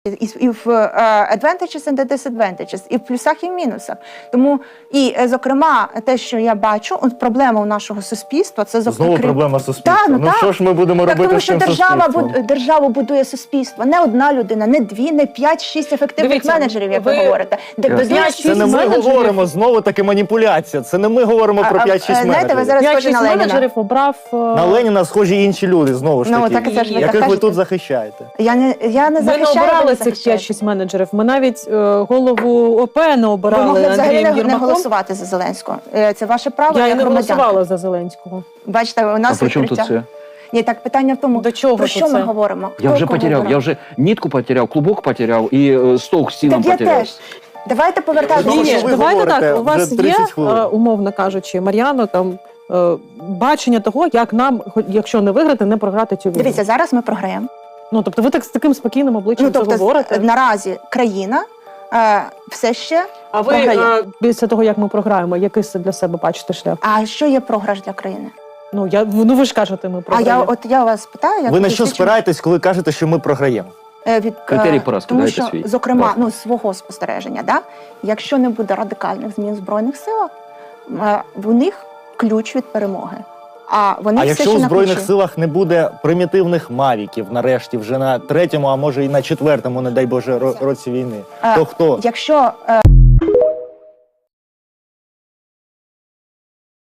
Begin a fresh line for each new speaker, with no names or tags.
І в advantages and disadvantages, і в плюсах, і в мінусах. Тому, і, зокрема, те, що я бачу, от проблема у нашого суспільства, це
знову проблема суспільства.
Так,
ну що ж ми будемо робити
тому
з
що
цим суспільством?
держава будує суспільство. Не одна людина, не дві, не 5-6 ефективних
Дивіться,
менеджерів, як ви говорите.
Це не ми говоримо, знову таки маніпуляція. Це не ми говоримо про 5-6 менеджерів.
Знаєте, ви зараз схожі на Леніна.
менеджерів обрав...
На Леніна схожі інші люди, знову ж таки,
так, це ж ви
яких
так
ви
кажете.
тут захищаєте.
Я не
Ми
захищаю,
не обирали
ви
цих
захищаєте.
5-6 менеджерів. Ми навіть голову ОП не
Ви
обирали
могли взагалі
Андрієм
не
Єрмаком.
голосувати за Зеленського. Це ваше право,
Я і
як
не
громадянка.
голосувала за Зеленського.
Бачите, у нас
А при чому тут
відкриття.
це?
Ні, так питання в тому,
До чого
про
тут
що ми
це?
говоримо?
Я
Хто
вже
кого
потеряв,
обирав?
я вже нитку потеряв, клубок потеряв і стовк з сіном
Так я
потеряв.
теж. Давайте повертатися.
Тому
Ні,
що ви
давайте
говорите
так, у вас
вже
є,
30 хвилин.
умовно кажучи, Мар'яно, там, бачення того, як нам, якщо не виграти, не програти цю війну.
Дивіться, зараз ми програємо.
Ну, тобто ви так з таким спокійним обличчям це говорите?
Наразі країна все ще
А ви
програє.
після того, як ми програємо, який це для себе бачите шлях?
А що є програш для країни?
Ну, ви ж кажете, ми
А
програємо.
я вас питаю, як
Ви на що
досвідчений-
спираєтесь, коли кажете, що ми програємо?
Критерій поразки,
тому
дайте
що,
свій.
зокрема,
Власне.
свого спостереження, якщо не буде радикальних змін в Збройних силах, в них ключ від перемоги. А вони
А
все
якщо
ще
у
на
Збройних
ключі.
силах не буде примітивних мавіків, нарешті, вже на 3-му, а може і на 4-му, не дай Боже, році війни, то хто?
Якщо